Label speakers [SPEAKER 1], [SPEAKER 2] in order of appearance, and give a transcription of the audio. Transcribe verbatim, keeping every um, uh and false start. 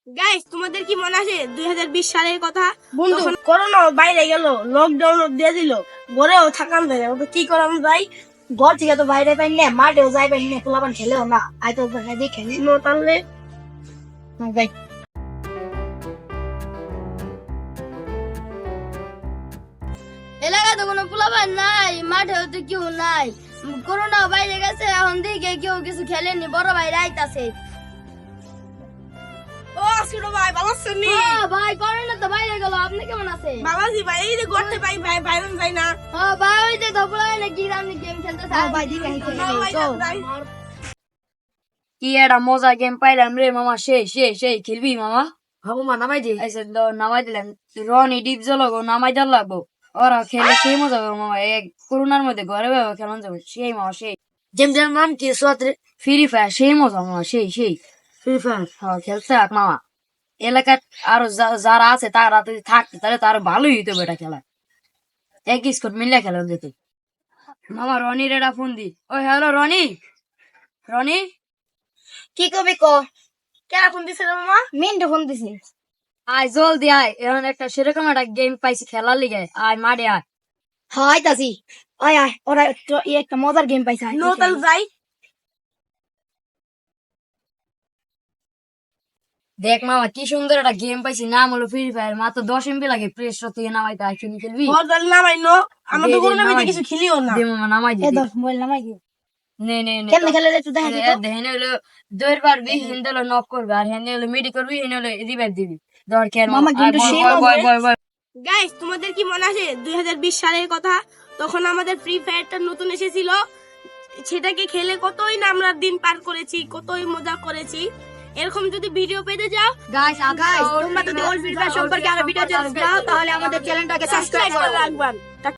[SPEAKER 1] Guys, তোমাদের কি মনে আছে দুই হাজার বিশ সালের কথা?
[SPEAKER 2] বন্ধু করোনা বাইরে গেল, লকডাউন দিয়ে দিল, ঘরেও থাকান যায় না। কি করাম যাই, ঘর থেকে তো বাইরে পাই না, মাঠেও যাই পাই না, পোলাপান খেলেও না। আই তো দেখে নো তাহলে যাই।
[SPEAKER 3] এলাকায় তো কোনো পোলাপান নাই, মাঠেও তো কেউ নাই। করোনা বাইরে গেছে, এখন দিকে কেউ কিছু খেলেনি, বড় ভাই রাইতাছে।
[SPEAKER 1] ও আসির ভাই, ভালো আছেন নি?
[SPEAKER 3] হ্যাঁ ভাই, করোনা তো বাইরে গেল, আপনি কেমন আছেন?
[SPEAKER 1] ভালো আছি ভাই। এই যে ঘরতে পাই ভাই, বাইরে যাই না।
[SPEAKER 3] হ্যাঁ ভাই, ওই যে ধপলা নাকি আপনি গেম খেলতেছে।
[SPEAKER 2] হ্যাঁ ভাই, দিকে আইতে
[SPEAKER 1] না ভাই,
[SPEAKER 2] চল।
[SPEAKER 1] যাই।
[SPEAKER 4] কি একটা মজা গেম পাইলাম রে মামা, সেই সেই সেই খেলবি মামা?
[SPEAKER 2] হাবু মা নামাই দে।
[SPEAKER 4] আইসে তো নামাই দিলাম, রনি ডিপ জলগো নামাই দিল লাগবো। ওরা খেলে সেই মজা হবে মামা, এক করোনার মধ্যে ঘরে ভাবে খেলানো যাবে সেই মামা, সেই
[SPEAKER 2] গেম যার নাম কি? সোয়াত্রে
[SPEAKER 4] ফ্রি ফায়ার সেই মজা মামা, সেই সেই
[SPEAKER 2] ফ্রি ফায়ার।
[SPEAKER 4] হ্যাঁ খেলতে থাক মামা। এলাকার আরো যা- যারা আছে তারা যদি থাকতে তাহলে তো আরো ভালোই হইতো এটা খেলা, এক স্কোর মিলিয়ে খেলা যেত। মামা রনির এটা ফোন দি। ওই হ্যালো রনি, রনি
[SPEAKER 2] কি কবি ক?
[SPEAKER 1] কে ফোন দিছে রে মামা?
[SPEAKER 2] মিন্টু ফোন দিছি।
[SPEAKER 4] আয় জলদি আয়, এখন একটা সেরকম একটা গেম পাইছি খেলার লিগে, আয় মাঠে আয়।
[SPEAKER 2] হ্যাঁ আইতাছি। আয় আয়, ওরা তো ই একটা মজার গেম পাইছে। আয়,
[SPEAKER 1] নো
[SPEAKER 2] দেখে
[SPEAKER 1] তাহলে
[SPEAKER 2] আয়।
[SPEAKER 1] যাই।
[SPEAKER 4] দেখ মামা কি সুন্দর একটা গেম পাইছি, নাম হলো ফ্রি ফায়ার। মাত্র দশ এমবি লাগে প্লে স্টোর থেকে নামাইতে, আর খেলি খেলবি?
[SPEAKER 1] ঘর তাহলে নামাই নো। আমরা
[SPEAKER 4] দে,
[SPEAKER 1] তো
[SPEAKER 4] দে,
[SPEAKER 1] করোনা
[SPEAKER 4] নামাই
[SPEAKER 1] কিছু
[SPEAKER 4] দে।
[SPEAKER 1] খেলিও না।
[SPEAKER 4] দে মামা নামাই
[SPEAKER 2] এ
[SPEAKER 4] দিবি।
[SPEAKER 2] দশ মোবাইল নামাই দে।
[SPEAKER 4] নে নে নে
[SPEAKER 2] কেমনে খেলে রে তুই দেখা দিত?
[SPEAKER 4] দেখেন হলো দৌড় পারবি, হেন্দে হলো নক করবি, আর হেন্দে হলো মিডি করবি, হেন্দে হলো রিভাইভ দিবি। ধর খেল
[SPEAKER 2] মামা, গেমটা সেই মজা।
[SPEAKER 1] গাইস, তোমাদের কি মনে আছে দুই হাজার বিশ সালের কথা? তখন আমাদের ফ্রি ফায়ারটা নতুন এসেছিল। সেটাকে খেলে কতই না আমরা দিন পার করেছি, কতই মজা করেছি। এরকম যদি ভিডিও পেতে যাও,
[SPEAKER 4] গাইস
[SPEAKER 2] গাইস, তোমরা যদি ওল্ড ফ্রি ফায়ার সম্পর্কে আরো ভিডিও চাও তাহলে আমাদের চ্যানেলটাকে সাবস্ক্রাইব
[SPEAKER 1] সাবস্ক্রাইব
[SPEAKER 2] করো।
[SPEAKER 1] করে রাখবেন।